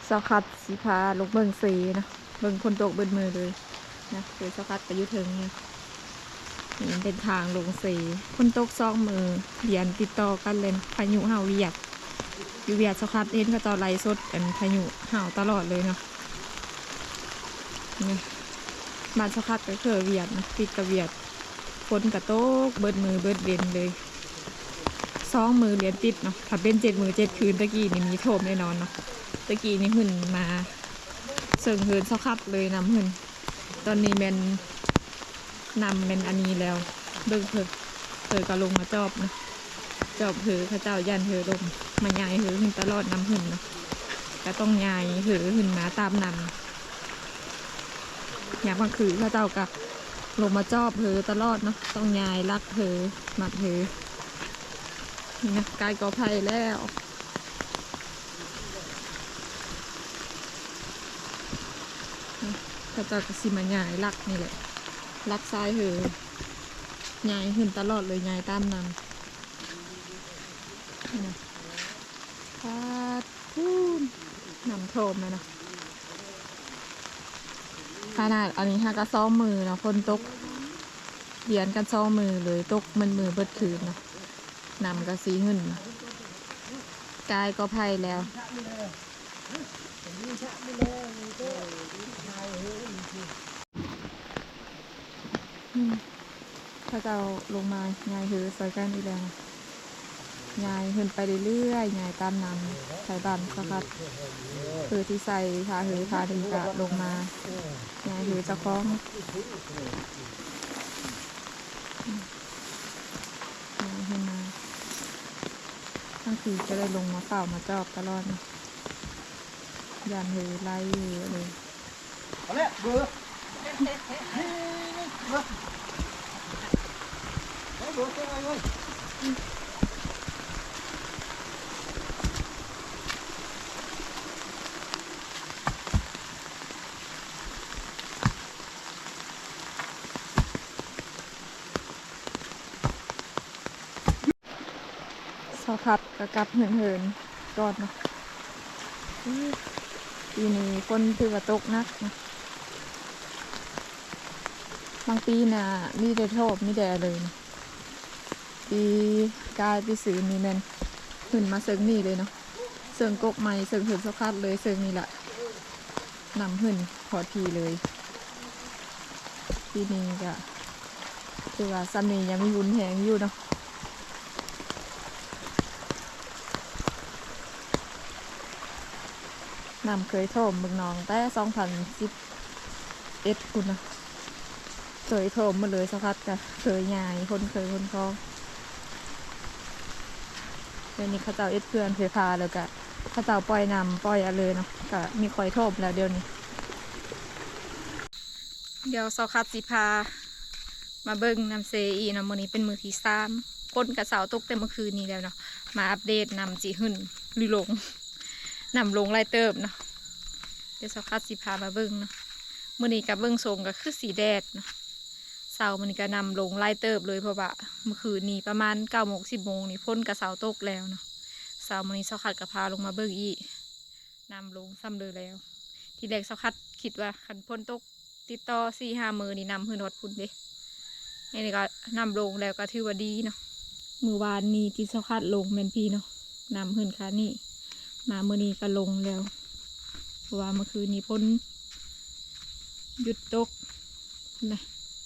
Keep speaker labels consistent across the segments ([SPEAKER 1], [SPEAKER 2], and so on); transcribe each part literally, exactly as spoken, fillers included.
[SPEAKER 1] สกัดสีพาลูกเบิ่งสีนะเบิ่งคนตกเบิ่งมือเลยนะคือสกัดไปยุถึงเนี่ยนี่เป็นทางลงสีคนตกซองมือเดียนติดต่อกันเลยพายุเห่าเวียดอยู่เวียดสกัดเห็นเขาจะไล่สดอันพายุเห่าตลอดเลยเนาะนี่บ้านสกัดก็คือเวียดนะติดกับเวียดฝนกระโตกเบิดมือเบิดเบนเลยซองมือเรียนติดเนาะถ้าเป็นเจ็ดมือเจ็ดคืนตะกี้นี่มีโถมแน่นอนเนาะตะกี้นี่หุ่นมาเสิร์งเหินสกัดเลยนำหุ่นตอนนี้เป็นนำเป็นอันนี้แล้วเบิ่งเพิ่นเพิ่นก็ลงมาจอบนะจอบเหือพระเจ้ายันเหือลงมาใหญ่เหือหุ่นตลอดนำหุ่นเนาะก็ต้องใหญ่เหือหุ่นมาตามนำอยากมาคือพระเจ้าก็ลงมาจอบเหือตลอดเนาะต้องใหญ่รักเหือหมัดเหือนี่นะกายกอไผ่แล้วพระเจ้าก็สิมาใหญ่รักนี่แหละรักซ้ายเหือใหญ่ขึ้นตลอดเลยใหญ่ตามนำนี่นะพาดพูนนำโทมเลยนะขนาดอันนี้ฮะก็ซ้อมมือเนาะคนตกเดียนกันซ้อมมือเลยตกมันมือเบิดคืนเนาะนำกระสีหึ่นกายก็ไพ่แล้วถ้าจะเอาลงมาไงคือใส่กันอีกแล้วไงขึ้นไปเรื่อยๆไงตามนำใส่บันสักพักคือที่ใส่พาหือพาถึงกะลงมาไงหือจะคล้องไงขึ้นมาทั้งคืนจะได้ลงมาเฝ้ามาจอบตลอดยันหือไล่เลยเอาเลยเบื่อสอพัดกระกับเหินเหินก่อนเนาะปีนี้คนถือว่าตกนักนะบางปีน่ะมีแต่โทษมีแต่เลยนะปีกายปีสื่อมีแมนขึ้นมาเซิงนี่เลยเนาะเซิงกกไม้เซิงเหินสกัดเลยเซิงนี่แหละนำขึ้นพอทีเลยปีนี้ก็คือว่าซัมนี่ยังมีวุ้นแหงอยู่เนาะนำเคยโถมเมืองนองแต่สองพันสิบเอ็ดคุณนะเคยโถมมาเลยสักพักก็เคยใหญ่คนเคยคนคลองเดี๋ยวนี้เขาเจ้าเอ็ดเพื่อนเคยพาแล้วก็เขาเจ้าปล่อยนำปล่อยอะไรเนาะก็มีคอยโถมแล้วเดี๋ยวนี้เดี๋ยวสคัดสิพามาเบิ้งนำเซอีนะมื้อนี้เป็นมือที่สามคนกับสาวตกแต่เมื่อคืนนี้แล้วเนาะมาอัปเดตนำจีหึ่นลุยลงนำลงไล่เติบเนาะเดี๋ยวสคัดสิพามาเบิ้งเนาะมื้อนี้กับเบิ้งทรงก็คือสีแดดเนาะเสามันก็นำลงไล่เติบเลยเพราะว่าเมื่อคืนนี้ประมาณเก้าโมงสิบโมงนี่พ่นกับเสาตกแล้วเนาะเสามันนี้สคัดกับพาลงมาเบิ้งอีนำลงซ้ำเลยแล้วทีแรกสคัดคิดว่าขันพ่นตกติดต่อสี่ห้ามือนี่นำหืนหดพุ่นเด้นี่ก็นำลงแล้วก็ถือว่าดีเนาะมือวานนี้ที่สคัดลงแมนพีเนาะนำหืนค่ะนี่มามือนี้ก็ลงแล้วเพราะว่าเมื่อคืนนี้พ่นหยุดตกนะ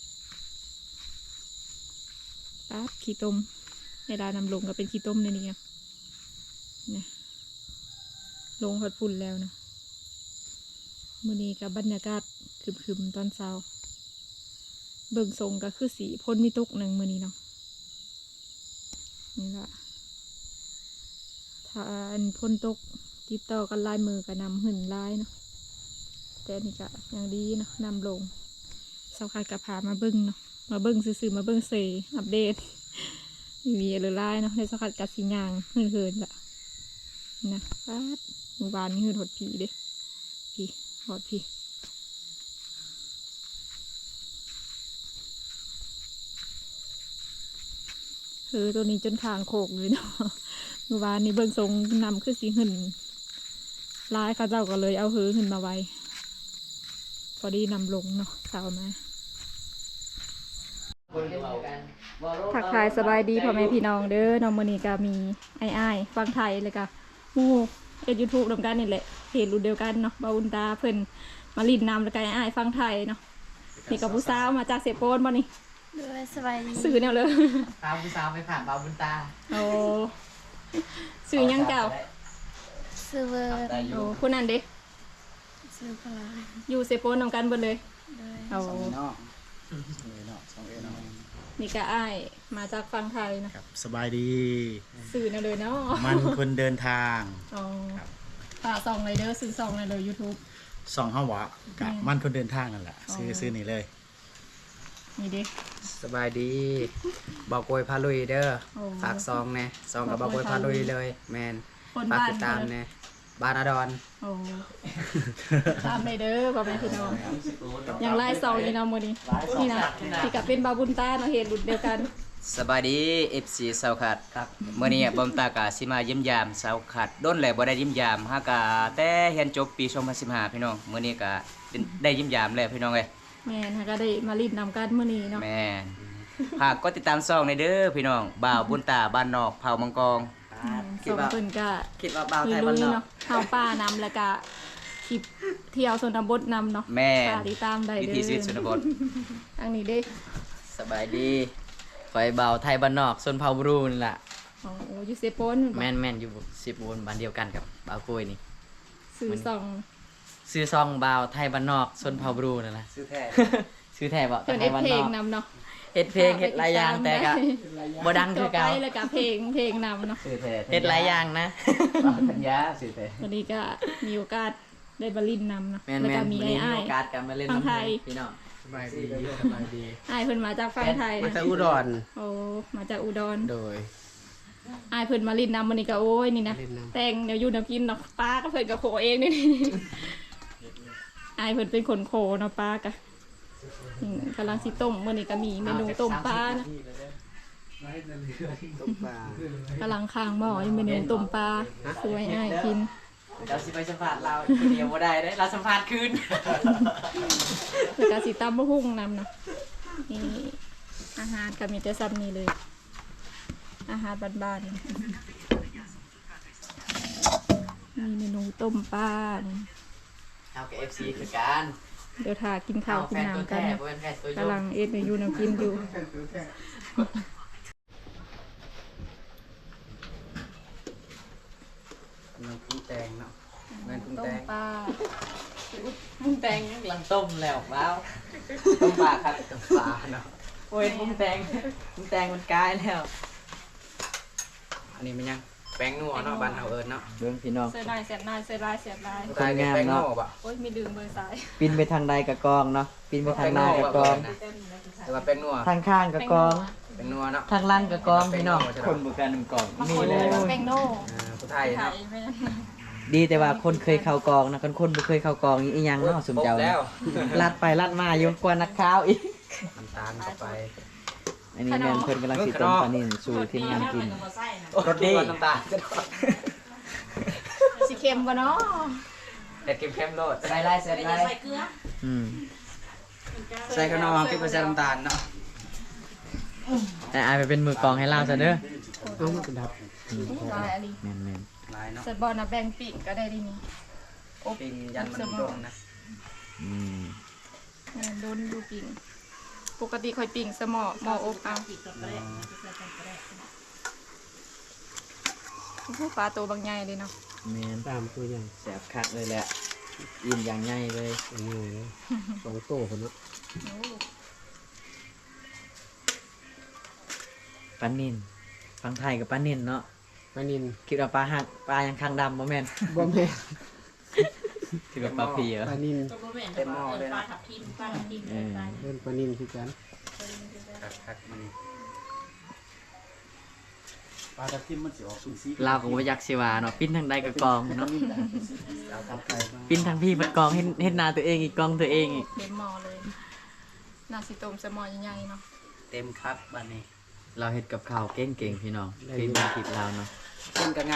[SPEAKER 1] ปั๊บขี้ต้มเวลานำลงก็เป็นขี้ต้มในนี้นะนะลงหดฝุ่นแล้วนะมื้อนี้กับบรรยากาศคึมๆตอนเช้าเบิ่งทรงก็คือสีพ่นมีตุกหนึ่งมื้อนี้เนาะนี่ละถ้าอันพ่นตกติดต่อกันลายมือกับนำหื่นลายเนาะแต่นี่ก็ยังดีเนาะนำลงสาวคัดกับพามาเบิ่งเนาะมาเบิ้งซื้อๆมาเบิ้งเซอัปเดตมีอะไรไล่เนาะในสกัดกัดสียางเหินเหินละนะปัดหมู่บ้านนี่เหินหดผีเด้ผีหดผีเออตัวนี้จนคางโขกเลยเนาะหมู่บ้านนี่เบิ้งทรงนำขึ้นสีหึ่นร้ายเขาเจ้าก็เลยเอาหือขึ้นมาไว้พอดีนำลงเนาะเสามาทักทายสบายดีพ่อแม่พี่น้องเด้อน้องมื้อนี้ก็มีไอ้อ้ายฟังไทยเลยก็หมู่เอ็ด YouTube นำกันนี่แหละเพจรุ่นเดียวกันเนาะบาอุนตาเพิ่นมาลินนำแล้วก็ไอ้อ้ายฟังไทยเนาะนี่กับผู้สาวมาจากเสโปนบ่นี่
[SPEAKER 2] ด้วยสบายดี
[SPEAKER 1] สื่อแนวเลย
[SPEAKER 3] ตามผู้สาวไปผ่านบาบุญตา
[SPEAKER 1] โอ้สื่อยังเก่า
[SPEAKER 2] ซื้อเวอร์
[SPEAKER 1] โอ้คุณนั่นเด้
[SPEAKER 2] ซื้อพลา
[SPEAKER 1] อยู่เซโปนนำกันเบิดเลย
[SPEAKER 2] ด้วย
[SPEAKER 1] โอ้
[SPEAKER 3] สองเนาะสองเนาะสองเอเนาะ
[SPEAKER 1] นี่ก็อ้ายมาจากฟังไทยนะครับ
[SPEAKER 4] สบายดี
[SPEAKER 1] สื่อแนวเลยเนาะ
[SPEAKER 4] มันคนเดินทาง
[SPEAKER 1] อ๋อฝากซองเลยเด้อซื้อซองเลยเด้อ YouTube
[SPEAKER 4] สองห้าวะกับ
[SPEAKER 1] อืม
[SPEAKER 4] มันคนเดินทางนั่นแหละ
[SPEAKER 1] อ๋อ
[SPEAKER 4] ซื้อซื้อนี่เลย
[SPEAKER 1] นี่เด้
[SPEAKER 3] สบายดีบอกโกยพาลุยเด้อ
[SPEAKER 1] โอ้
[SPEAKER 3] ฝากซองแน่ซองกับบอกโกยพาลุยเลย แมน
[SPEAKER 1] คน
[SPEAKER 3] ฝาก
[SPEAKER 1] บ้าน
[SPEAKER 3] ติดตามแน่บ้านอดอน
[SPEAKER 1] โอ้ตามเลยเด้อพ่อแม่พี่น้องอย่างไล่ซองนี่เนาะมื้อนี้นี่นะที่กับเป็นบาบุญตาเนาะเหตุรุ่นเดียวกัน
[SPEAKER 5] สบายดี เอฟ ซี สาวขัดครับเมื่อนี้บอมตากาสิมาเยี่ยมยามสาวขัดด้นแหละบ่ได้เยี่ยมยามฮากาแต่เรียนจบปีสองพันสิบห้าพี่น้องเมื่อนี้ก็ได้เยี่ยมยามแล้วพี่น้องเอ้ย
[SPEAKER 1] แม่นค่ะก็ได้มาลินนำกันมื้อนี้เนาะ
[SPEAKER 5] แม่นฝากกดติดตามช่องในเด้อพี่น้องบ่าวบุญตาบ้านนอกเผามังกร
[SPEAKER 1] สองเพิ่นก็
[SPEAKER 3] คิดว่าบ่าว
[SPEAKER 1] ลุ
[SPEAKER 3] ไท
[SPEAKER 1] ย
[SPEAKER 3] ยบ้าน
[SPEAKER 1] ๆ
[SPEAKER 3] นอก
[SPEAKER 1] เนาะเฮาป้านำแล้วก็คลิปเที่ยวชนบทนำเนาะ
[SPEAKER 5] แม่น
[SPEAKER 1] ฝากติดตามได้
[SPEAKER 5] วิ
[SPEAKER 1] เด้อ
[SPEAKER 5] ถีชีวิตชนบท
[SPEAKER 1] อันนี้เด้
[SPEAKER 6] สบายดีคอยเบาไทยบ้านนอกส่วนเผาบรูนล่ะ
[SPEAKER 1] อ๋ออยู่เซโปน
[SPEAKER 6] แม่นแม่นอยู่สิบวนบ้านเดียวกันกับเบาโกยนี่
[SPEAKER 1] ซื้อซอง
[SPEAKER 6] ซื้อซองเบาไทยบ้านนอกส่วนเผาบรูนั่นแหละ
[SPEAKER 3] ซื้อแท้
[SPEAKER 6] ซื้อแท้บ่
[SPEAKER 1] เพิ่น
[SPEAKER 6] ไท
[SPEAKER 1] เอ็
[SPEAKER 6] ย
[SPEAKER 1] ด
[SPEAKER 6] บ้าน
[SPEAKER 1] เพล
[SPEAKER 6] นอง ก
[SPEAKER 1] นำเนาะ
[SPEAKER 6] เฮ็ดเพลงเฮ็ดหลายอย่างแต่ก็บ่ดัง
[SPEAKER 1] ต่
[SPEAKER 6] คือ อ
[SPEAKER 1] ไป
[SPEAKER 6] เก่า
[SPEAKER 1] แล้วก็เพลงเพลงนำเนาะ
[SPEAKER 5] สื่อแท้
[SPEAKER 6] เฮ็ดหลายอย่างนะ
[SPEAKER 5] ธัญญาสื่อแท้
[SPEAKER 1] วันนี้ก็มีโอกาสได้บาลินนำเนาะ
[SPEAKER 6] แม่น
[SPEAKER 1] แล้ว
[SPEAKER 6] แม่
[SPEAKER 1] ก็
[SPEAKER 6] น
[SPEAKER 1] มี
[SPEAKER 6] วัน
[SPEAKER 1] ไอ้
[SPEAKER 6] นี้มี
[SPEAKER 1] อ้าย
[SPEAKER 6] โอกาสกันมาเล่น
[SPEAKER 1] ฟังไทย
[SPEAKER 6] พี่น้อง
[SPEAKER 3] สบายดีสบายดี
[SPEAKER 1] อ้ายเพิ่นมาจากฟังไทย
[SPEAKER 3] มา
[SPEAKER 1] นะ
[SPEAKER 3] จากอุดร
[SPEAKER 1] โอ้มาจากอุดร
[SPEAKER 3] โดย
[SPEAKER 1] อ้ายเพิ่นมาลินนำวันนี้ก็โอ้ยนี่นะ
[SPEAKER 3] ลินนำ
[SPEAKER 1] แต่งเดี๋ยวอยู่น้ำกินเนาะป้าก็เพิ่นกับโขเองนี่ อ้ายเพิ่นเป็นคนโขเนาะป้ากะอืมกำลังสิต้มมื้อนี้ก็มีเมนูต้มปลานะ
[SPEAKER 3] ตุ๊กปลาก
[SPEAKER 1] ำลังค้างหม้ออยู่เมนูต้มปลาสวยอ้ายกิน
[SPEAKER 6] เราสิไปสัมภาษณ์เราคนเดียวบ่ได้เด้เราสัมภาษณ์คืน
[SPEAKER 1] แล้วก็สิตำมะฮุ่งนำเนาะนี่อาหารก็มีแต่ซ้ำนี่เลย อาหารบ้านๆนี่มีเมนูต้มปลานี่
[SPEAKER 6] เอากับ เอฟ ซี คือกัน
[SPEAKER 1] เดี๋ยวทากินข้าวกิน
[SPEAKER 6] แฟนตัว
[SPEAKER 1] น้ำกัน
[SPEAKER 6] แท้
[SPEAKER 1] เนาะ
[SPEAKER 6] บ่เป็นแฟนตัวยง
[SPEAKER 1] กำลังเอ็ดเมนูน้ำกินอยู่
[SPEAKER 3] น้ำกุ้งแตงเนาะแม่นกุ้ง
[SPEAKER 1] ต้
[SPEAKER 3] แต
[SPEAKER 1] ม
[SPEAKER 3] ง
[SPEAKER 1] ปลา
[SPEAKER 6] ปรุงแต่งกำลังต้มแล้วว้าว
[SPEAKER 3] ต้มปลาครับต้มปลาเนาะ
[SPEAKER 6] โอ้ยปรุงแต่งปรุงแต่งมันกลายแล้ว
[SPEAKER 3] อันนี้มันยังแป้งนัวเนาะบ้านเฮาเอิ้นเนาะ
[SPEAKER 6] เบิ่งพี่น้อง
[SPEAKER 1] เสียดายเสียดายเสียดายเสียดาย
[SPEAKER 3] ตายเป็นแป้งนัวบ่
[SPEAKER 1] โอ้ยมีดื่มเบอร์สาย
[SPEAKER 6] ปินไปทางใดกับกองเนาะปินไปทางหน้ากับกอง
[SPEAKER 3] แต่ว่าแป้งนัว
[SPEAKER 6] ทางข้างกับกอง
[SPEAKER 3] แป้งนัวเนาะ
[SPEAKER 6] ทางล่างกับกองพี่น้องคนบุกันหนึ่งกอง
[SPEAKER 1] บาง
[SPEAKER 6] นี่
[SPEAKER 1] คน
[SPEAKER 6] เล
[SPEAKER 1] เลย
[SPEAKER 6] ย
[SPEAKER 1] ว่าแป้งโน่
[SPEAKER 3] อ่าผู้ไทย
[SPEAKER 1] ไท
[SPEAKER 3] เนาะ
[SPEAKER 1] ยแม่น
[SPEAKER 6] ดีแต่ว่าคนเคยเข้ากองนะคนคนบ่เคยเข้ากองอีหยังเนาะสมเจ้า
[SPEAKER 3] แล้ว
[SPEAKER 6] ลัดไปลัดมาอยู่กว่านักข่าวอีก
[SPEAKER 3] น้ำตาลเข้าไป
[SPEAKER 6] อันนี้แม่นเพิ่นกำลังสิต้มปลานิ่นสู่ทีมงานกิน
[SPEAKER 3] รสดีน้ำตาลก็ได้
[SPEAKER 1] สีเค็มกว่าเนาะ
[SPEAKER 3] เด็ดเข้มๆโลด
[SPEAKER 6] ใส่ลายใส่ลายอืม
[SPEAKER 3] ใส่ขนมกินไปใส่น้ำตาลเนาะ
[SPEAKER 6] แต่อายไปเป็นมือกองให้เราซะเด้อ
[SPEAKER 3] ต้องมันดับ
[SPEAKER 6] อืม
[SPEAKER 1] ลายอะไร
[SPEAKER 6] แม่นแม่น
[SPEAKER 3] ลายเนาะ
[SPEAKER 1] เสร็จบอลนะแบ่งปีกก็ได้ดีนี่อบ
[SPEAKER 3] ปิงยันมันโดนนะ
[SPEAKER 6] อืม
[SPEAKER 1] เออโดนดูปิ่งปกติคอยปิ่งสมอหมออบเอาโอ้โหปลาตัวบางใหญ่เลยเนาะ
[SPEAKER 6] แม่น
[SPEAKER 3] ตามตัวอย่าง
[SPEAKER 6] แสบคักเลยแหละอิ่มอย่างใหญ่เลย
[SPEAKER 3] อันนี้เลยสองโตคนเนาะ
[SPEAKER 1] โอ้
[SPEAKER 6] ปลานิ่นฟังไทยกับปลานิ่นเนาะ
[SPEAKER 3] ปลานิน
[SPEAKER 6] คิดว่าปลาหักปลายังคางดำบ่แม่น
[SPEAKER 3] บ่แม่
[SPEAKER 6] คิดว่าปลาเพีย
[SPEAKER 3] ปลานินเต็มหม้อเลยนะ
[SPEAKER 6] เออ
[SPEAKER 3] เล่นปลานินคือกันคักๆมัน
[SPEAKER 4] ปลาทับทิมมันสิออกสูสี
[SPEAKER 6] เราก็บ่อยากสิว่าเนาะปิ้นทางใดกับกองเนาะ
[SPEAKER 3] เอาทำไปมา
[SPEAKER 6] ปิ้นทางพี่มันกองเฮ็ดเฮ็ดหนาตัวเองอีกกองตัวเองอีก
[SPEAKER 1] เต็มหมอเลยนาซิต้มสมอใหญ่ๆเนาะ
[SPEAKER 3] เต็มครับบ้านนี้
[SPEAKER 6] เราเฮ็ดกับข้าวเก่งๆพี่น้องเคยมีคลิปเราเนาะ
[SPEAKER 3] กินก็งาม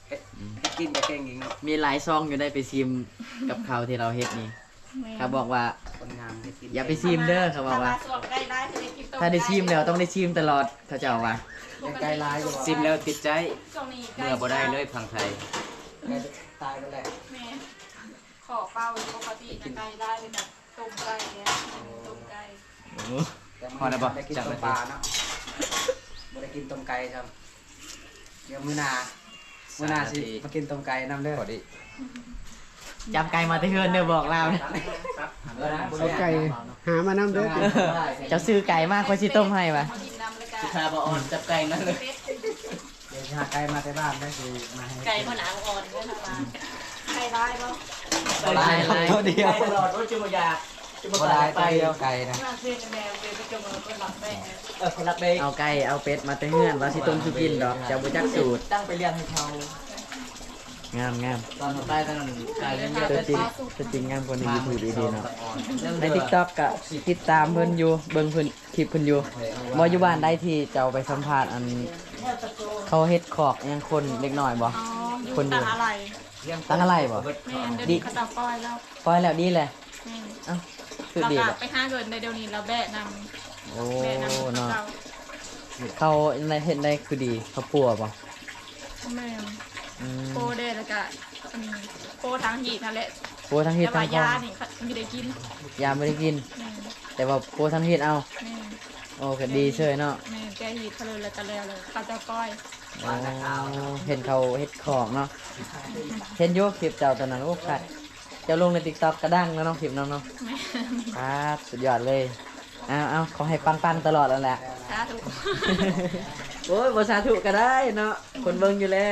[SPEAKER 3] เฮ็ดเฮ็ดกินก็เก่งอีกเนาะ
[SPEAKER 6] มีหลายซองอยู่ได้ไปซิมกับเขาวที่เราเฮ็ดนี่เขาบอกว่า
[SPEAKER 3] คนงามเฮ็ดกิน
[SPEAKER 6] อย่าไปซิมเด้อเขาบอกว่า ถ้าได้ซิมแล้วต้องได้ซิมตลอดเขาจะเอาว่า
[SPEAKER 3] ยังไกลหลายอยู่
[SPEAKER 5] ซิมแล้วติดใจเมื่อบ่ได้เลยพังไทย
[SPEAKER 3] ตายไปแล้ว
[SPEAKER 1] แม่ขอเป้าปกตินะไก่ได้เลยแบบต้มไก่เนี่ยต้มไก่
[SPEAKER 5] พอแล้วบ่
[SPEAKER 3] ได้กิน
[SPEAKER 5] จัง
[SPEAKER 3] ต้
[SPEAKER 5] เล
[SPEAKER 3] ม
[SPEAKER 5] ย
[SPEAKER 3] ปลาเนาะบ่ได้กินต้มไก่ครับเดี๋ยวมื้อหน้ามื้อหน้าสิมากินต้มไก่นำเด้อ
[SPEAKER 5] พอดี
[SPEAKER 6] จำไก่มาแตะเฮือนเด้อบอกเราเนี่ย
[SPEAKER 7] เอาไก่หามาน้ำเด้อ
[SPEAKER 6] เจ้าซื้อไก่มากคอยสิต้มให้ปะ
[SPEAKER 1] มากินน้ำเลยกัน
[SPEAKER 6] คาบออนจับไก่นั่นเลย
[SPEAKER 3] เดี๋ยวสิหาไก่มาแต่บ้านได้สิมาให้
[SPEAKER 1] ไก่มะนาวอ่อนด้วยนะมาไก่ได้ปะ
[SPEAKER 6] ลายลาย
[SPEAKER 3] ตัวเดียว
[SPEAKER 6] ตลอดรถจุมยาจุม
[SPEAKER 3] บ่ได้ไปเดียวไก่นะ
[SPEAKER 1] มาเส้นแมวเดินไปจมเราเป็นหลับแม่
[SPEAKER 6] เออคนรักเด้เอาไก่เอาเป็ดมาแตะเฮือนว่าสิต้มสุกินดอกเจ้าบ่จักสูตรตั้งไปเรียนให้เขางามงาม
[SPEAKER 5] ตอนใต้ตอนนั้นไก่เล่น
[SPEAKER 6] ตัวจริงตัวจริงงามกว่าใน YouTube ดีๆเนาะใน TikTok ก็ติดตามเพิ่นอยู่เบิ่งเพิ่นคลิปเพิ่นอยู่บ่อยู่บ้านได้ที่เจ้าไปสัมภาษณ์อันเขาเฮ็ดขอกยังคนเล็กน้อยบ่
[SPEAKER 1] อ๋ออยู่ต่างอะไร
[SPEAKER 6] ตั้งอะไรบ่
[SPEAKER 1] แม่เดี๋ยวนี้เขาจะปล่อยแล้ว
[SPEAKER 6] ปล่อยแล้วดีเลย
[SPEAKER 1] แม่
[SPEAKER 6] เอ้าคือ
[SPEAKER 1] เรา
[SPEAKER 6] ดี
[SPEAKER 1] กลั
[SPEAKER 6] แห
[SPEAKER 1] บ
[SPEAKER 6] ละ
[SPEAKER 1] ไปห้าเกินในเดี๋ยวนี้เราแบะน
[SPEAKER 6] โอ้
[SPEAKER 1] ำแบะนำ
[SPEAKER 6] เนาะ
[SPEAKER 1] เรา
[SPEAKER 6] เขาในเฮ็ดได้คือดีเขาปัวบ่
[SPEAKER 1] แม่
[SPEAKER 6] อืม
[SPEAKER 1] โคเดแล้วก็อันนี้โคทางหีดนั่นแหละ
[SPEAKER 6] ปัวทั้งเฮ็ด
[SPEAKER 1] แต่
[SPEAKER 6] ทั้
[SPEAKER 1] ว่าง
[SPEAKER 6] พอย
[SPEAKER 1] านี่เขาไม่ได้กิน
[SPEAKER 6] ยามไม่ได้กิน
[SPEAKER 1] แม่
[SPEAKER 6] แต่ว่าปัวทั้งเฮ็ดเอา
[SPEAKER 1] แม่
[SPEAKER 6] โอ้ก็ดีเชยเนาะ
[SPEAKER 1] แม่แกหีดเขาเลยแล้วก็แล้วเลยเขาจะปล่อย
[SPEAKER 6] โอ้เห็นเขาเฮ็ดของเนาะเห็นอยู่คลิปเจ้าตอนนั้นโอ้คัดเจ้าลงใน TikTok กระดังแล้วเนาะคลิปน้องเนาะ
[SPEAKER 1] แม่
[SPEAKER 6] ครับสุดยอดเลยเอาเอาขอให้ปังๆตลอดแล้วแหละ
[SPEAKER 1] สาธุ
[SPEAKER 6] โอ้ยบสาธุก็ได้เนาะ คนเบิ่งอยู่แล้ว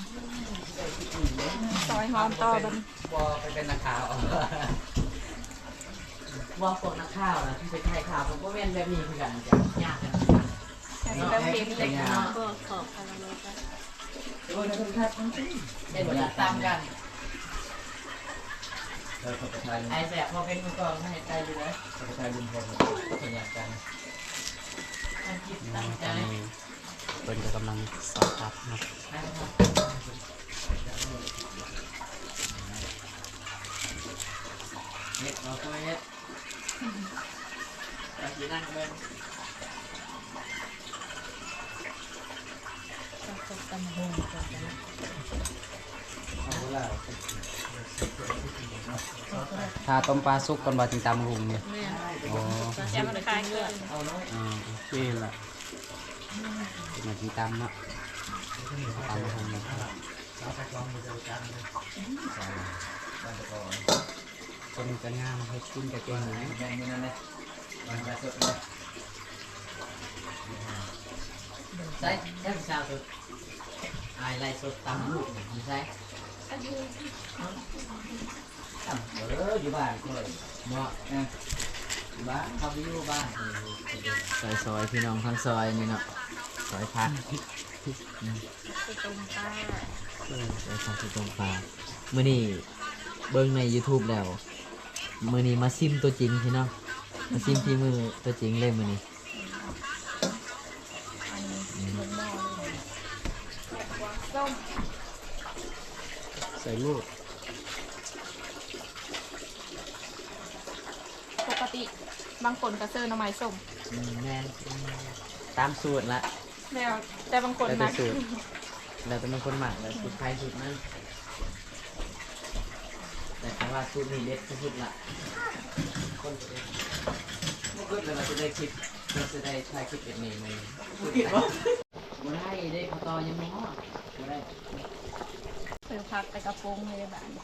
[SPEAKER 1] ซอยหอมต่อบัน
[SPEAKER 3] บ่ไปเป็นนักข่าวเอา
[SPEAKER 6] ว่าพวกนักข่าวนะที่ไปถ่ายข่าวผมก็แม่นแบบนี้คือกันจ้ะยากกัน
[SPEAKER 1] แต่นี่แบบเพลงเล็กเนาะ
[SPEAKER 2] ก็ขอบคุณเลยจ้ะ
[SPEAKER 6] โอ้ยคุณครับได้บทตามกันไอ้แสบพอเป็นมือกลองให้ใจอยู่นะ
[SPEAKER 3] ไปทายลุงพล
[SPEAKER 6] ขยันกันตั้งจิตตั้งใจ
[SPEAKER 3] เพิ่นก็กำลังสอบครับเนาะ
[SPEAKER 6] เฮ็ดเราก็เฮ็ดแต่ที่นั่งเบิ่ง
[SPEAKER 3] ถ้าต้มปลาสุกก่อนบ่ถึงตำหุงเนี่ยโอ้
[SPEAKER 1] แกมันคลายเกิน
[SPEAKER 3] อ่านี่แหละมาถึงตำเนาะตำหุงนะครับคนก็งามเฮ็ดกินก็เก่งอยู่นะ
[SPEAKER 6] แบ่งมือนั่นเลยวางกระสุนเลยใส่แค่สาวสุดอายไล่สดตำลูกนี่ใส่ตำเอออยู่บ้านก็เลยเหมาะนะอยู่บ้านเขาไปอยู่บ้านซอยซอยพี่น้องทั้งซอยนี่เนาะซอยพัก
[SPEAKER 1] คือตรงตา
[SPEAKER 6] ซอยพักที่ตรงปลามื้อนี้เบิ่งใน YouTube แล้วมื้อนี้มาซิมตัวจริงพี่น้องมาซิมที่มือตัวจริงเลยมื้อนี้
[SPEAKER 1] อันนี้ลงหม้อเลยแบบกวางส้ม
[SPEAKER 3] ใส่ลูก
[SPEAKER 1] ปกติบางคนก็เซอร์หน้ำไม้ส้ม
[SPEAKER 6] อืมแม่นตามสูตรละ
[SPEAKER 1] แล้วแต่บางคน
[SPEAKER 6] แล้ว
[SPEAKER 1] นะ
[SPEAKER 6] แต่สูตรแล้วแต่บางคนหมักแล้วสูตรใครสูตรมันแต่คำว่าสูตรนี้เด็ดที่สุดละคนจะได้บ่คิดเลยว่าจะได้คลิปเราจะได้ถ่ายคลิปแบบนี้มั้ยบ่คิดว่าบ่ได้เด้เขาต่อยังบ่ฮอดบ่ได้
[SPEAKER 1] เสือพักแต่กระโปรงเลยแบบนี้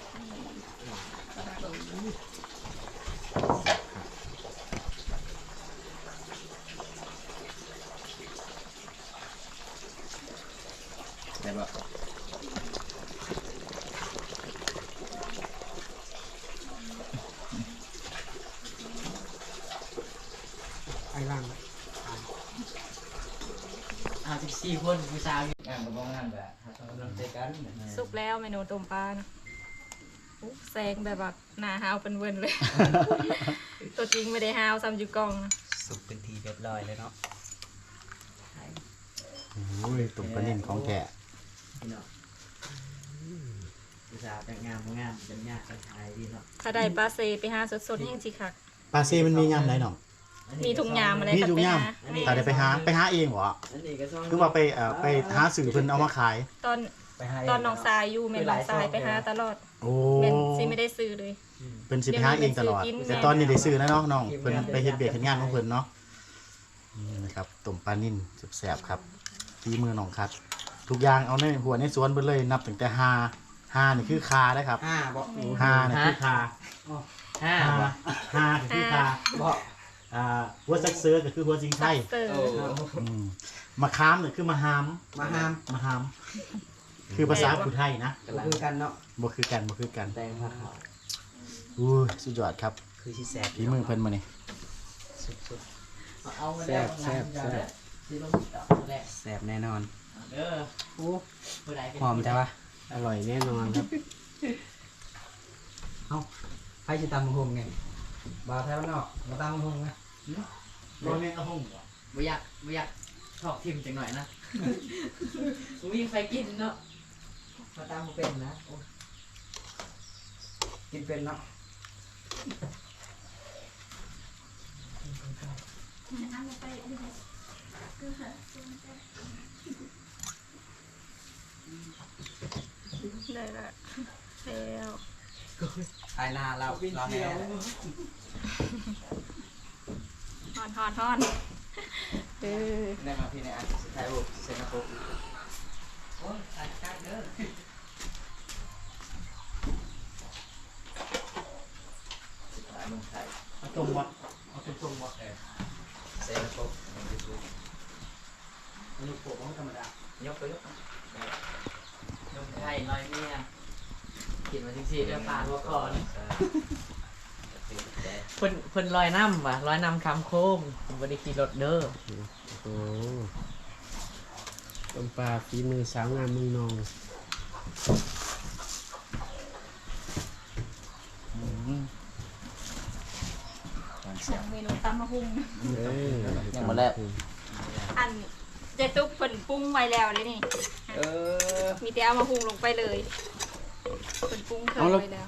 [SPEAKER 5] ได้บ่
[SPEAKER 3] ไอ้ล่าง
[SPEAKER 6] เอาสิบสี่คนผู้สาวอยู่
[SPEAKER 5] งานก็บ่งานแบบหาต้องกำลังใจกัน
[SPEAKER 1] สุกแล้วเมนูต้มปลานะอุ๊ยแซงแบบว่าหน้าฮาวเป็นเวินเลย ตัวจริงไม่ได้ฮาวซ้ำอยู่กล้องนะ
[SPEAKER 3] สุกเป็นทีเรียบร้อยเลยเนาะโอ้ยตุ่มปลานิ่มของแก
[SPEAKER 6] พี่น้องสาวจังงามงามจังยากจังไทยดีเนาะ
[SPEAKER 1] ถ้าได้ปลาเซไปหาสดๆแห้งสิคัก
[SPEAKER 4] ปลาซีมันมียามไหนน้อง
[SPEAKER 1] มีถุงยามอะไร
[SPEAKER 4] มี
[SPEAKER 1] กัน
[SPEAKER 4] ทุก
[SPEAKER 1] ไป
[SPEAKER 4] ยาม
[SPEAKER 1] หา
[SPEAKER 4] ถ้าได้ไปหาไปหาเองบ่
[SPEAKER 6] อันนี้ก็ซ่อง
[SPEAKER 4] คือว่าไปเอ่อไปหาสื่อเพิ่นเอามาขาย
[SPEAKER 1] ตอน
[SPEAKER 3] ไปหา
[SPEAKER 1] ตอนน้องทรายอยู่แม่น้องทรายไปหาตลอด
[SPEAKER 4] โอ้
[SPEAKER 1] แม่นสิไม่ได้ซื้อเลย
[SPEAKER 4] เพิ่นสิไปหาเองตลอด
[SPEAKER 1] เดี๋ยวมันเป็น
[SPEAKER 4] แต่ตอนนี้ได้ซื้อแล้วเนาะน้องเพิ่นไปเฮ็ดเบียกเฮ็ดงานของเพิ่นเนาะนี่นะครับต้มปลานิ่นแซ่บๆครับฝีมือน้องคัด ทุกอย่างเอาในหัวในสวนเบิดเลยนับตั้งแต่หาหานี่คือคานะครับ
[SPEAKER 3] ห้าบ่
[SPEAKER 4] หานี่คือคา
[SPEAKER 6] ห้า
[SPEAKER 4] หา
[SPEAKER 6] บ่
[SPEAKER 4] หาคือคา
[SPEAKER 3] บ่
[SPEAKER 4] อ่าหัวซักเสือก็คือหัวสิงไข่
[SPEAKER 1] เตอร์
[SPEAKER 6] โอ้
[SPEAKER 4] อืมมะขามนี่คือมะฮาม
[SPEAKER 3] มาห้าม
[SPEAKER 4] มะฮาม คือภาษาผู้ไทยนะ
[SPEAKER 3] ก็คือกันเนาะ
[SPEAKER 4] บ่คือกันบ่คือกัน
[SPEAKER 6] แตงผักขาว
[SPEAKER 4] อู้ยสุดยอดครับ
[SPEAKER 3] คือสิแซ่บ
[SPEAKER 4] ฝีมือเพิ่นมานี่
[SPEAKER 3] สุด
[SPEAKER 6] เอาแซ่บแซ่บแซ่บสิลงต่อแรก
[SPEAKER 3] ๆแซ่บแน่นอน
[SPEAKER 6] เด้อ
[SPEAKER 7] โอ้
[SPEAKER 6] ผู้ใดเป็น
[SPEAKER 3] หอมใช่ปะ
[SPEAKER 7] อร่อยแน่นอนครับ
[SPEAKER 3] เอ้าไผสิตำบักหุ่งไงบ่าวแถวนอกมาตำบักหุ่งนะ
[SPEAKER 4] บ่แม่นเอาห้องบ่
[SPEAKER 6] บ่อยากบ่อยากชอบทิมจังหน่อยนะบ่มีไฟกินเนาะ
[SPEAKER 3] มาตำบ่เป็นนะโอ้กินเป็นเนาะ
[SPEAKER 1] ได้ละแล้ว
[SPEAKER 3] ไอ้หน้าเราเราแน่
[SPEAKER 1] ฮอนฮอนฮอนเออ
[SPEAKER 3] ได้มาพี่ในอันสุดท้ายบุกเซนโกโอ้ยตัดกากเด้อ
[SPEAKER 5] หาเมืองไทย
[SPEAKER 4] เอาตรงบ่เอาตรงๆบ่
[SPEAKER 5] เซนโกมันจะถูก
[SPEAKER 4] อันนี้โปะบ่ธรรมดาย
[SPEAKER 5] กไปยก
[SPEAKER 6] นมไข่ลอยเมียกินมาจริงๆเดี๋ยวปาดหัวคอน เพิ่นเพิ่นลอยน้ำว่ะลอยน้ำคำโค้งผมบ่ได้ขี่รถเด้อ
[SPEAKER 7] โอ้ต้มปลาฝีมือสาวงามเมืองนอง
[SPEAKER 1] เมนูตำมะฮุ่ง
[SPEAKER 7] เอ้ย
[SPEAKER 5] ยังมาแล้ว
[SPEAKER 1] อันเจตุ๊กเพิ่นปรุงไว้แล้วเลยนี่
[SPEAKER 5] เออ
[SPEAKER 1] มีแต่เอามาหุงลงไปเลยเพิ่นปรุงเครื่องไว้แล้ว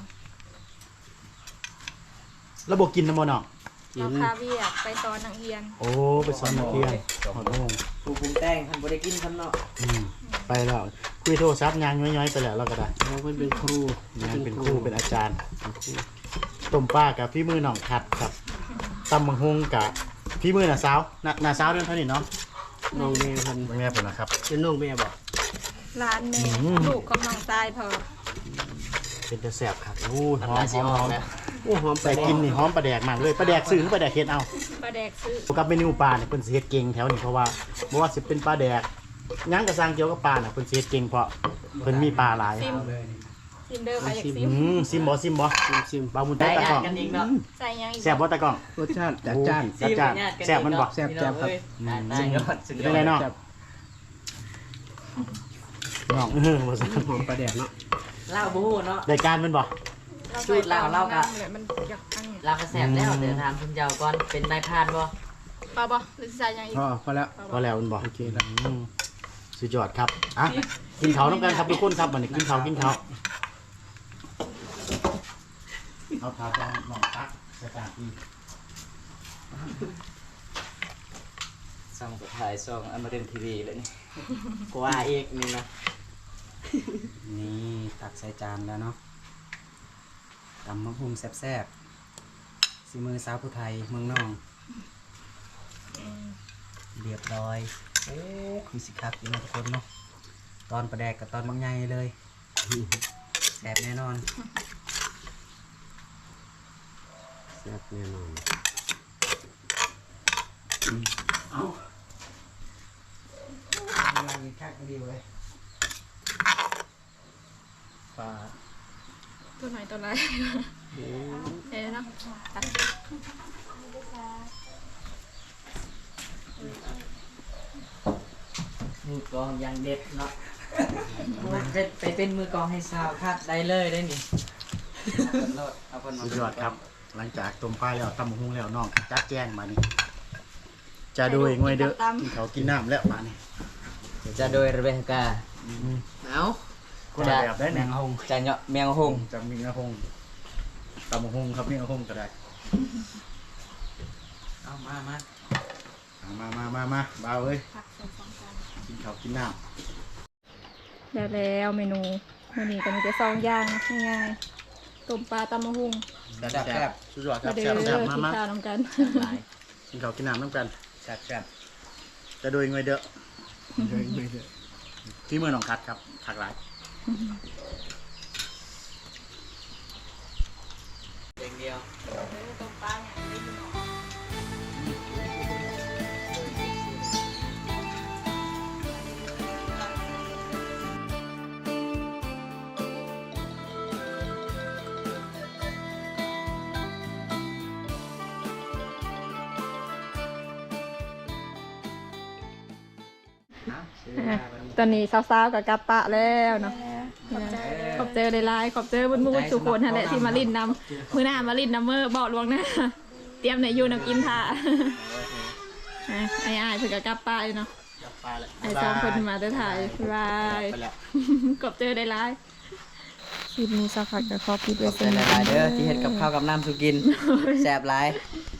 [SPEAKER 4] แล้วบ่กินนำบ่น้อง
[SPEAKER 1] เราพาเวียกไปตอนหนังเฮียน
[SPEAKER 4] โอ้ไปสอนนักเรียนหอดโมง
[SPEAKER 3] ผู้ปรุงแต่งท่านบ่ได้กินคำเนาะ
[SPEAKER 4] อืมไปแล้วคุยโทรศัพท์ยางย้อยๆไปแล้วเราก็ได้
[SPEAKER 7] เราเพิ่นเป็นครู
[SPEAKER 4] งานเป็นครูเป็นอาจารย์ต้มปลากับพี่มือน้องคัดครับตำบักฮงกับพี่มือน่ะสาวน่ะน่ะสาวเดือนเท่านี้เนาะ
[SPEAKER 7] น้องแม่เพิ่น
[SPEAKER 4] แม่ผมนะครับ
[SPEAKER 7] เป็นน้องแม่บ่
[SPEAKER 1] ร้านแม่
[SPEAKER 4] อืม
[SPEAKER 1] ลูกกับน้องทรายพอ
[SPEAKER 4] เป็นจะแซ่บครับอู้หอม
[SPEAKER 5] น้ำลาย
[SPEAKER 4] ห
[SPEAKER 5] สิ
[SPEAKER 4] อม
[SPEAKER 5] อ
[SPEAKER 4] ห
[SPEAKER 5] อ
[SPEAKER 4] อก ม
[SPEAKER 5] แล้ว
[SPEAKER 7] โอ้หอมไป
[SPEAKER 4] แต่กินนี่หอมปลาแดกมากเลยปลาแดกซื้อหรือปลาแดกเฮ็ดเอา
[SPEAKER 1] ปลาแดกซื้อ
[SPEAKER 4] กับเมนูปลาเนี่ยเพิ่นสิเฮ็ดเก่งแถวนี้เพราะว่าบ่ว่าสิเป็นปลาแดกหยังกระซังเกี่ยวกับปลาน่ะเพิ่นสิเฮ็ดเก่งเพราะเพิ่นมีปลาหลาย
[SPEAKER 1] ซิมซิมเด้อไปอยากซิ
[SPEAKER 4] อื
[SPEAKER 1] ม
[SPEAKER 4] มซิมบ่ซิมบ่
[SPEAKER 7] ชิมชิม
[SPEAKER 4] ปลาบุญ
[SPEAKER 6] ได้
[SPEAKER 4] ตะก
[SPEAKER 6] อ่า
[SPEAKER 4] ล้
[SPEAKER 6] น
[SPEAKER 4] อง
[SPEAKER 6] กันอีกเนาะ
[SPEAKER 1] ใส่ยังอีก
[SPEAKER 4] แซ่บบ่ตะกล้อง
[SPEAKER 7] รสชาติจัดจ้าน
[SPEAKER 4] จัดจ้านแซ่บมันบ่
[SPEAKER 7] แซ่บแซ่บครับ
[SPEAKER 6] ได้ยอดสุดย
[SPEAKER 4] เป็
[SPEAKER 6] อน
[SPEAKER 4] ไง
[SPEAKER 6] ด
[SPEAKER 4] เนาะ
[SPEAKER 7] แซ่บ
[SPEAKER 4] น้องเออบ่ซั่น
[SPEAKER 7] หอมปลาแดกเนาะ
[SPEAKER 6] เล่าบู๊เนาะ
[SPEAKER 4] รายการมันบ่
[SPEAKER 6] สูตรลาวเล่ากะ
[SPEAKER 1] เลยมันอยากอันนี้
[SPEAKER 6] เราก็แซ่บแล้วเดี๋ยวถามคุณเจ้าก่อนเป็นนายพรานบ่
[SPEAKER 1] ปลาบ่หรือสิใส่ยังอีก
[SPEAKER 7] พอพอแล้ว
[SPEAKER 4] พอแล้วมันบ่
[SPEAKER 7] โอเคแล้ว
[SPEAKER 4] อืมสุดยอดครับอ่ะกินข้าวน้ำกันครับทุกคนครับวันนี้กินข้าวกินข้าวเอาทาลองลองตักสตาร์ทอี
[SPEAKER 5] ส่องสุดท้ายส่องอมรินทร์ทีวีเลยนี่
[SPEAKER 3] กว่าอีกนี่นะนี่ตักใส่จานแล้วเนาะตำมะฮุ่งแซ่บๆสีมือสาวผู้ไทยเมืองนองเรียบร้อยโอ้คือสิคักอยู่เนาะทุกคนเนาะตอนประแดกกับตอนบางใหญ่เลยแซ่บแน่นอน
[SPEAKER 7] แซ่บแน่นอน
[SPEAKER 4] เอา
[SPEAKER 3] กำลังกินคักดีเลย
[SPEAKER 4] ปลา
[SPEAKER 1] ตัวไหนตัวไหนเอ้เนาะตัด
[SPEAKER 6] มือกลองยังเด็ดเนาะเป็นไปเป็นมือกลองให้สาวคัดได้เลยได้นี่
[SPEAKER 3] เอาคนมา
[SPEAKER 4] สุดยอดครับ หลังจากต้มปลาแล้วตำบักหุ่งแล้วน้องจัดแจ้งมานี่จะโดยงวยเด้อกินข้าวกินน้ำแล้วมานี่
[SPEAKER 5] จะโดยเรเบคกา
[SPEAKER 6] เอา
[SPEAKER 3] คนละแบบได้แมงฮง
[SPEAKER 5] จานเนาะแมงหง
[SPEAKER 3] จะมีงาฮงตำบักฮงครับมีงาฮงก็ได้เอามามาเอามามามามาบ่าวเอ้ยกินข้าวกินน้ำ
[SPEAKER 1] แล้วแล้วเมนูมื้อนี้ก็มีแต่สองอย่างนะง่ายๆต้มปลาตำมะฮุ่ง
[SPEAKER 3] แซ่บแซ่บสุดยอดค
[SPEAKER 1] มา
[SPEAKER 3] รับ
[SPEAKER 1] เด้อ
[SPEAKER 3] แซ่บแซ่บ
[SPEAKER 1] กิ
[SPEAKER 3] มาน มา
[SPEAKER 1] ข้าวน้ำกัน
[SPEAKER 5] หลาย
[SPEAKER 3] กินข้าวกินน้ำน้ำกัน
[SPEAKER 5] แซ่บแซ่บ
[SPEAKER 3] จะโดยเงยเด้อโดยเงยเด้อที่เมืองหนองคัดครับผักหลาย
[SPEAKER 5] เด็กเดียว
[SPEAKER 1] อ่ะตอนนี้สาวๆกับกลับปะแล้วเนาะขอบเจอในไลน์ขอบเจอบนมูดสุคนนั่นแหละที่มาลินนำมือหน้ามาลินนำเมอร์บอกลวงหน้าเตรียมในยูนำกินท่าอ่ะไอ้อ้ายเพิ่งกับกลับปะอยู่เนาะ
[SPEAKER 3] ไปแล้ว
[SPEAKER 1] ไอ้สองคนมาได้ถ่ายบาย
[SPEAKER 3] ไปแล้ว
[SPEAKER 1] ขอบเจอในไลน์คลิปนี้สักพักกับขอบคิดไว้
[SPEAKER 5] ขอบใจหลายๆเด้อที่เฮ็ดกับข้าวกับน้ำสุกินแซ่บหลาย